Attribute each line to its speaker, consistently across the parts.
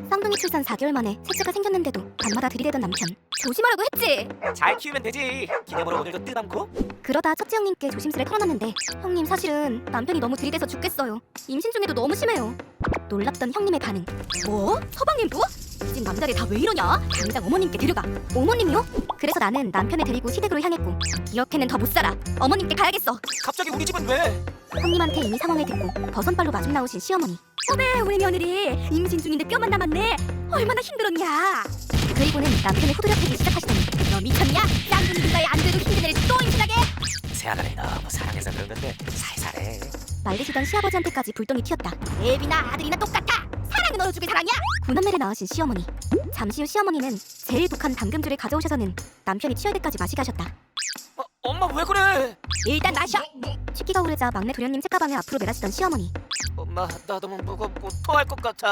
Speaker 1: 쌍둥이 출산 4개월 만에 셋째가 생겼는데도 밤마다 들이대던 남편. 조심하라고 했지.
Speaker 2: 잘 키우면 되지. 기념으로 오늘도 뜻 않고.
Speaker 1: 그러다 첫째 형님께 조심스레 털어놨는데 형님 사실은 남편이 너무 들이대서 죽겠어요. 임신 중에도 너무 심해요. 놀랍던 형님의 반응. 뭐? 서방님도? 집 남자들 다 왜 이러냐? 당장 어머님께 데려가. 어머님이요? 그래서 나는 남편을 데리고 시댁으로 향했고 이렇게는 더 못 살아. 어머님께 가야겠어.
Speaker 2: 갑자기 우리 집은 왜?
Speaker 1: 형님한테 이미 상황을 듣고 버선발로 마중 나오신 시어머니. 어메 우리 며느리 임신 중인데 뼈만 남았네. 얼마나 힘들었냐. 그리고는 남편을 후드려 패기 시작하시더니 너 미쳤냐? 쌍둥이 누가에 안 돼도 힘든 애를 또 임신하게?
Speaker 2: 새아가를 너무 사랑해서 그런 건데 살살해.
Speaker 1: 말리시던 시아버지한테까지 불똥이 튀었다. 애비나 아들이나 똑같아. 사랑은 어느 쪽의 사랑이야? 군함매를 낳으신 시어머니. 잠시 후 시어머니는 제일 독한 담금주를 가져오셔서는 남편이 취할 때까지 마시게 하셨다.
Speaker 2: 엄마 왜 그래?
Speaker 1: 일단 마셔. 식기가 오르자 막내 도련님 책가방을 앞으로 내라시던 시어머니.
Speaker 2: 엄마 나 너무 무겁고 토할 것 같아.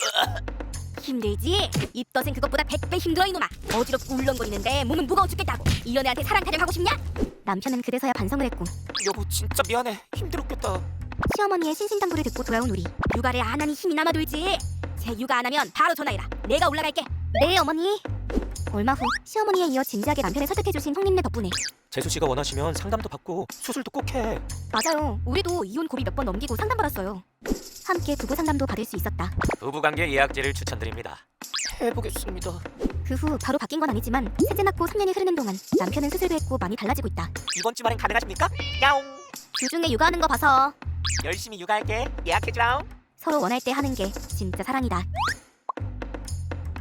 Speaker 1: 힘들지? 입덧은 그것보다 100배 힘들어 이놈아. 어지럽고 울렁거리는데 몸은 무거워 죽겠다고. 이 연애한테 사랑 타령하고 싶냐? 남편은 그래서야 반성을 했고
Speaker 2: 여보 진짜 미안해. 힘들었겠다.
Speaker 1: 시어머니의 신신당부를 듣고 돌아온 우리. 육아를 안 하니 힘이 남아돌지. 제 육아 안 하면 바로 전화해라. 내가 올라갈게. 네 어머니. 얼마 후 시어머니에 이어 진지하게 남편을 설득해주신 형님네 덕분에.
Speaker 2: 재수 씨가 원하시면 상담도 받고 수술도 꼭 해.
Speaker 1: 맞아요. 우리도 이혼 고비 몇 번 넘기고 상담받았어요. 함께 부부 상담도 받을 수 있었다.
Speaker 2: 부부관계 예약제를 추천드립니다. 해보겠습니다.
Speaker 1: 그 후 바로 바뀐 건 아니지만 셋째 낳고 3년이 흐르는 동안 남편은 수술도 했고 많이 달라지고 있다.
Speaker 2: 이번 주말엔 가능하십니까? 야옹.
Speaker 1: 주중에 육아하는 거 봐서
Speaker 2: 열심히 육아할게. 예약해줘.
Speaker 1: 서로 원할 때 하는 게 진짜 사랑이다.